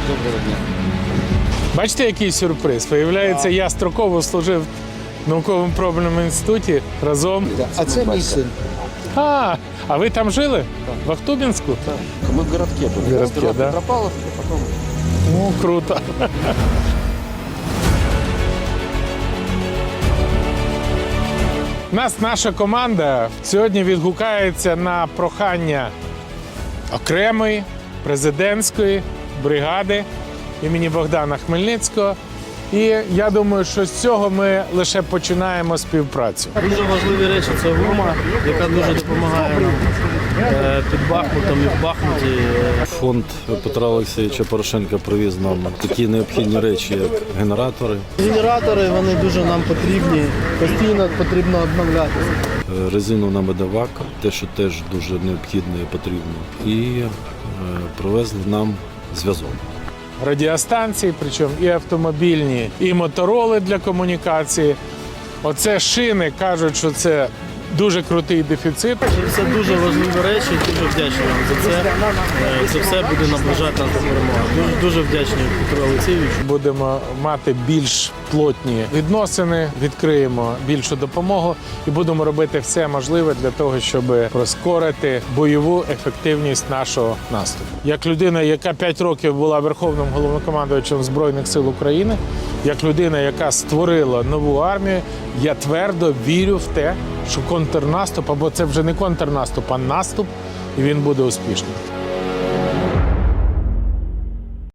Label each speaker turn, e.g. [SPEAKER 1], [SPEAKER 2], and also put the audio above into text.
[SPEAKER 1] Доброго дня.
[SPEAKER 2] Бачите, який сюрприз? Виявляється, я строково служив в науково-пробному інституті разом.
[SPEAKER 1] А це мій син.
[SPEAKER 2] А ви там жили? В Ахтубінську?
[SPEAKER 1] Ми в городке були.
[SPEAKER 2] В городке,
[SPEAKER 1] Сперва
[SPEAKER 2] да?
[SPEAKER 1] Петропавловск, а потім...
[SPEAKER 2] Ну, круто. Наша команда сьогодні відгукається на прохання окремої президентської бригади імені Богдана Хмельницького. І я думаю, що з цього ми лише починаємо співпрацю.
[SPEAKER 3] Дуже важливі речі – це гума, яка дуже допомагає нам під Бахмутом і в Бахмуті.
[SPEAKER 4] Фонд Петра Олексійовича Порошенка привіз нам такі необхідні речі, як генератори,
[SPEAKER 3] Генератори, вони дуже нам потрібні, постійно потрібно обновлятися.
[SPEAKER 4] резину на медовак, те, що теж дуже необхідно і потрібно. І привезли нам зв'язок.
[SPEAKER 2] Радіостанції, причому і автомобільні, і мотороли для комунікації. Оце шини, кажуть, що це дуже крутий дефіцит.
[SPEAKER 3] Це дуже важливі речі, дуже вдячні вам за це. Це все буде наближати нас до перемоги. Дуже вдячні Петру Олексійовичу.
[SPEAKER 2] Будемо мати більш плотні відносини, відкриємо більшу допомогу і будемо робити все можливе для того, щоб прискорити бойову ефективність нашого наступу. Як людина, яка 5 років була верховним головнокомандувачем Збройних сил України, як людина, яка створила нову армію, я твердо вірю в те, що контрнаступ, або це вже не контрнаступ, а наступ, і він буде успішним.